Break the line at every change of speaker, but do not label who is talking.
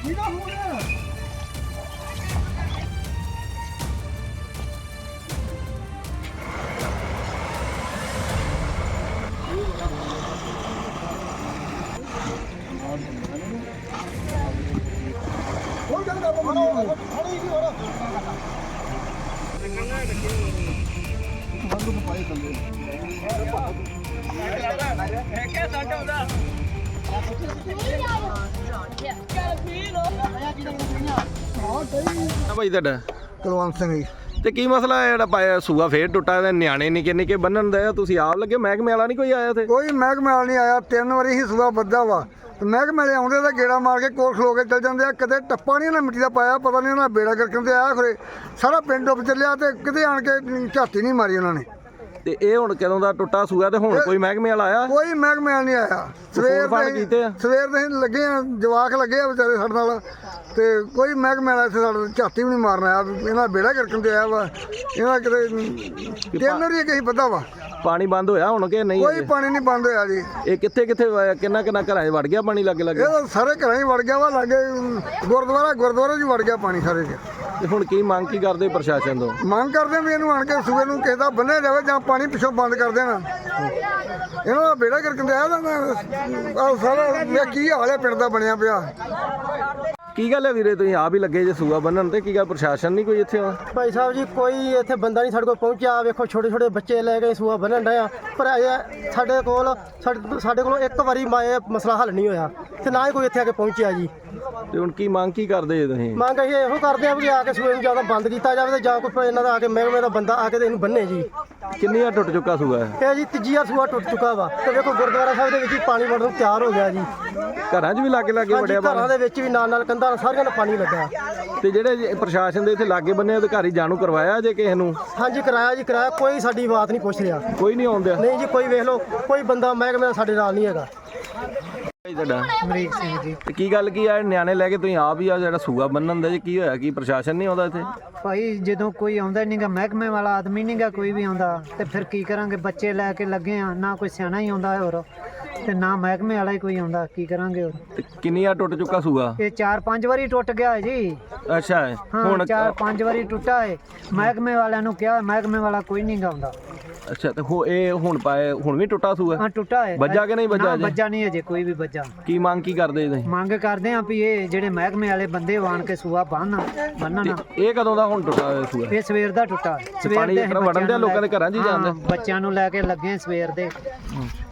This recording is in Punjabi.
ਭਾਈ ਤੁਹਾਡਾ
ਕੁਲਵੰਤ ਸਿੰਘ ਜੀ।
ਤੇ ਕੀ ਮਸਲਾ ਹੈ ਜਿਹੜਾ ਪਾਇਆ ਸੂਆ ਫੇਰ ਟੁੱਟਾ ਤੇ ਨਿਆਣੇ ਨਿੱਕੇ ਨਿੱਕੇ ਬੰਨਣ ਦੇ ਤੁਸੀਂ ਆਪ ਲੱਗੇ ਮਹਿਕਮੇ ਵਾਲਾ ਨਹੀਂ ਕੋਈ ਆਇਆ ਤੇ
ਕੋਈ ਮਹਿਕਮੇ ਵਾਲਾ ਨਹੀਂ ਆਇਆ। 3 ਵਾਰੀ ਹੀ ਸੂਆ ਬੱਧਾ ਵਾ ਤੇ ਮਹਿਕਮੇ ਵਾਲੇ ਆਉਂਦੇ ਤਾਂ ਗੇੜਾ ਮਾਰ ਕੇ ਕੋਲ ਖਲੋ ਕੇ ਚਲ ਜਾਂਦੇ ਆ। ਕਦੇ ਟੱਪਾ ਨਹੀਂ ਉਹਨਾਂ ਮਿੱਟੀ ਦਾ ਪਾਇਆ, ਪਤਾ ਨਹੀਂ ਉਹਨਾਂ ਬੇੜਾ ਕਰਕੇ ਤੇ ਆਇਆ ਖਰੇ ਸਾਰਾ ਪਿੰਡ ਡੁੱਬ ਚੱਲਿਆ ਤੇ ਕਿਤੇ ਆਣ ਕੇ ਝਾਤੀ ਨਹੀਂ ਮਾਰੀ ਉਹਨਾਂ ਨੇ।
ਤੇ ਇਹ ਹੁਣ ਕਦੋਂ ਦਾ ਟੁੱਟਾ ਸੂਆ ਤੇ ਹੁਣ ਕੋਈ ਮਹਿਕਮੇ ਵਾਲਾ ਆਇਆ?
ਕੋਈ ਮਹਿਕਮੇ ਵਾਲਾ ਨਹੀਂ ਆਇਆ। ਸਵੇਰ ਦੇ ਲੱਗੇ ਆ, ਜਵਾਕ ਲੱਗੇ ਆ ਵਿਚਾਰੇ ਸਾਡੇ ਨਾਲ ਤੇ ਕੋਈ ਮਹਿਕਮੇ ਵਾਲਾ ਇੱਥੇ ਸਾਡੇ ਝਾਤੀ ਵੀ ਨਹੀਂ ਮਾਰਨ ਆਇਆ। ਇਹਨਾਂ ਬੇੜਾ ਕਰਕੇ ਤੇ ਆਇਆ ਵਾ। ਇਹਨਾਂ ਕਿਤੇ 3 ਵਾਰੀ ਕਹੀ ਬੱਧਾ ਵਾ।
ਪਾਣੀ ਬੰਦ ਹੋਇਆ ਹੁਣ ਕਿ ਨਹੀਂ?
ਕੋਈ ਪਾਣੀ ਨਹੀਂ ਬੰਦ ਹੋਇਆ ਜੀ।
ਇਹ ਕਿੱਥੇ ਕਿੰਨਾ ਘਰਾਂ 'ਚ ਵੜ ਗਿਆ ਪਾਣੀ ਲੱਗੇ ਲੱਗੇ?
ਇਹ ਤਾਂ ਸਾਰੇ ਘਰਾਂ ਹੀ ਵੜ ਗਿਆ ਵਾ। ਲਾਗੇ ਗੁਰਦੁਆਰੇ 'ਚ ਵੜ ਗਿਆ ਪਾਣੀ ਸਾਰੇ 'ਚ।
ਤੇ ਹੁਣ ਕੀ ਮੰਗ ਕੀ ਕਰਦੇ ਪ੍ਰਸ਼ਾਸਨ ਤੋਂ?
ਮੰਗ ਕਰਦੇ ਵੀ ਇਹਨੂੰ ਆਣ ਕੇ ਸੂਏ ਨੂੰ ਕਿਸੇ ਦਾ ਬੰਨਿਆ ਜਾਵੇ ਜਾਂ ਪਾਣੀ ਪਿੱਛੋਂ ਬੰਦ ਕਰ ਦੇਣਾ। ਇਹਨਾਂ ਦਾ ਬੇੜਾ ਕਰਕੇ ਆਇਆ ਤਾਂ ਸਾਰਾ ਕੀ ਹਾਲ ਹੈ ਪਿੰਡ ਦਾ ਬਣਿਆ ਪਿਆ।
ਕੀ ਗੱਲ ਹੈ ਵੀਰੇ ਤੁਸੀਂ ਆਪ ਹੀ ਲੱਗੇ ਜੇ ਸੂਆ ਬੰਨਣ ਤੇ? ਕੀ ਗੱਲ ਪ੍ਰਸ਼ਾਸਨ ਨਹੀਂ ਕੋਈ ਇੱਥੇ?
ਭਾਈ ਸਾਹਿਬ ਜੀ ਕੋਈ ਇੱਥੇ ਬੰਦਾ ਨਹੀਂ ਸਾਡੇ ਕੋਲ ਪਹੁੰਚਿਆ। ਵੇਖੋ ਛੋਟੇ ਛੋਟੇ ਬੱਚੇ ਲੈ ਕੇ ਸੂਆ ਬੰਨਣ ਡਏ ਆ, ਪਰ ਸਾਡੇ ਕੋਲ ਇੱਕ ਵਾਰੀ ਮਸਲਾ ਹੱਲ ਨਹੀਂ ਹੋਇਆ ਤੇ ਨਾ ਹੀ ਕੋਈ ਇੱਥੇ ਆ ਕੇ ਪਹੁੰਚਿਆ ਜੀ।
ਤੇ ਹੁਣ ਕੀ ਮੰਗ ਕੀ ਕਰਦੇ ਜੇ ਤੁਸੀਂ?
ਮੰਗ ਅਸੀਂ ਇਹੋ ਕਰਦੇ ਆ ਵੀ ਆ ਕੇ ਸੂਏ ਨੂੰ ਜਾਂ ਤਾਂ ਬੰਦ ਕੀਤਾ ਜਾਵੇ ਤੇ ਜਾਂ ਕੋਈ ਇਹਨਾਂ ਦਾ ਆ ਕੇ ਮਹਿਕਮੇ ਦਾ ਬੰਦਾ ਆ ਕੇ ਤੇ ਇਹਨੂੰ ਬੰਨੇ ਜੀ।
ਕਿੰਨੀ ਵਾਰ ਟੁੱਟ ਚੁੱਕਾ ਸੂਆ ਹੈ?
ਇਹ ਜੀ ਤੀਜੀ ਵਾਰ ਸੂਆ ਟੁੱਟ ਚੁੱਕਾ ਵਾ ਤੇ ਵੇਖੋ ਗੁਰਦੁਆਰਾ ਸਾਹਿਬ ਦੇ ਵਿੱਚ ਹੀ ਪਾਣੀ ਵੜਨ ਨੂੰ ਤਿਆਰ ਹੋ ਗਿਆ ਜੀ।
ਘਰਾਂ 'ਚ ਵੀ ਲਾਗੇ ਵੜਿਆ?
ਘਰਾਂ ਦੇ ਵਿੱਚ ਵੀ ਨਾਲ ਕੰਧਾਂ ਸਾਰੀਆਂ ਨਾਲ ਪਾਣੀ ਲੱਗਾ।
ਤੇ ਜਿਹੜੇ ਪ੍ਰਸ਼ਾਸਨ ਦੇ ਇੱਥੇ ਲਾਗੇ ਬੰਨੇ ਅਧਿਕਾਰੀ ਜਾਣੂ ਕਰਵਾਇਆ ਜੇ ਕਿਸੇ ਨੂੰ?
ਹਾਂਜੀ ਕਰਾਇਆ ਜੀ, ਕਰਾਇਆ। ਕੋਈ ਸਾਡੀ ਬਾਤ ਨਹੀਂ ਪੁੱਛ ਰਿਹਾ।
ਕੋਈ ਨਹੀਂ ਆਉਂਦਾ?
ਨਹੀਂ ਜੀ, ਕੋਈ ਵੇਖ ਲਓ ਕੋਈ ਬੰਦਾ ਮਹਿਕਮੇ ਸਾਡੇ ਨਾਲ ਨਹੀਂ ਹੈਗਾ।
ਤੁਹਾਡਾ
ਅਮਰੀਕ ਸਿੰਘ ਜੀ।
ਤੇ ਕੀ ਗੱਲ ਕੀ ਆ ਨਿਆਣੇ ਲੈ ਕੇ ਤੁਸੀਂ ਆਪ ਹੀ ਆ ਜਿਹੜਾ ਸੂਆ ਬੰਨਣ ਦਾ ਜੀ? ਕੀ ਹੋਇਆ? ਕੀ ਪ੍ਰਸ਼ਾਸਨ ਨਹੀਂ ਆਉਂਦਾ ਇੱਥੇ?
ਭਾਈ ਜਦੋਂ ਕੋਈ ਆਉਂਦਾ ਨਹੀਂਗਾ, ਮਹਿਕਮੇ ਵਾਲਾ ਆਦਮੀ ਨਹੀਂਗਾ ਕੋਈ ਵੀ ਆਉਂਦਾ ਤੇ ਫਿਰ ਕੀ ਕਰਾਂਗੇ? ਬੱਚੇ ਲੈ ਕੇ ਲੱਗੇ ਆ, ਨਾ ਕੋਈ ਸਿਆਣਾ ਹੀ ਆਉਂਦਾ ਹੋਰ ਤੇ ਨਾ ਮਹਿਕਮੇ ਵਾਲਾ ਹੀ ਕੋਈ ਆਉਂਦਾ, ਕੀ ਕਰਾਂਗੇ ਹੋਰ?
ਤੇ ਕਿੰਨੀ ਵਾਰ ਟੁੱਟ ਚੁੱਕਾ ਸੂਆ?
ਇਹ 4-5 ਵਾਰੀ ਟੁੱਟ ਗਿਆ ਹੈ ਜੀ।
ਅੱਛਾ
ਹੁਣ 4-5 ਵਾਰੀ ਟੁੱਟਾ ਹੈ। ਮਹਿਕਮੇ ਵਾਲਿਆਂ ਨੂੰ ਕਿਹਾ, ਮਹਿਕਮੇ ਵਾਲਾ ਕੋਈ ਨਹੀਂ ਆਉਂਦਾ।
ਅੱਛਾ ਤੇ ਇਹ ਹੁਣ ਵੀ ਟੁੱਟਾ ਸੂਆ?
ਹਾਂ ਟੁੱਟਾ ਹੈ।
ਵੱਜਾ ਕਿ ਨਹੀਂ ਵੱਜਾ?
ਵੱਜਾ ਨਹੀਂ ਅਜੇ ਕੋਈ ਵੀ ਵੱਜਾ।
ਕੀ ਮੰਗ ਕੀ ਕਰਦੇ ਤੁਸੀਂ?
ਮੰਗ ਕਰਦੇ ਆ ਵੀ ਇਹ ਜਿਹੜੇ ਮਹਿਕਮੇ ਵਾਲੇ ਬੰਦੇ ਆਣ ਕੇ ਸੂਆ ਬੰਨਣ।
ਇਹ ਕਦੋਂ ਦਾ ਹੁਣ ਟੁੱਟਾ ਹੋਇਆ ਸੂਆ?
ਇਹ ਸਵੇਰ ਦਾ ਟੁੱਟਾ।
ਪਾਣੀ ਵੜਨ ਦੇ ਲੋਕਾਂ ਦੇ ਘਰਾਂ 'ਚ ਹੀ ਜਾਂਦਾ?
ਬੱਚਿਆਂ ਨੂੰ ਲੈ ਕੇ ਲੱਗੇ ਸਵੇਰ ਦੇ।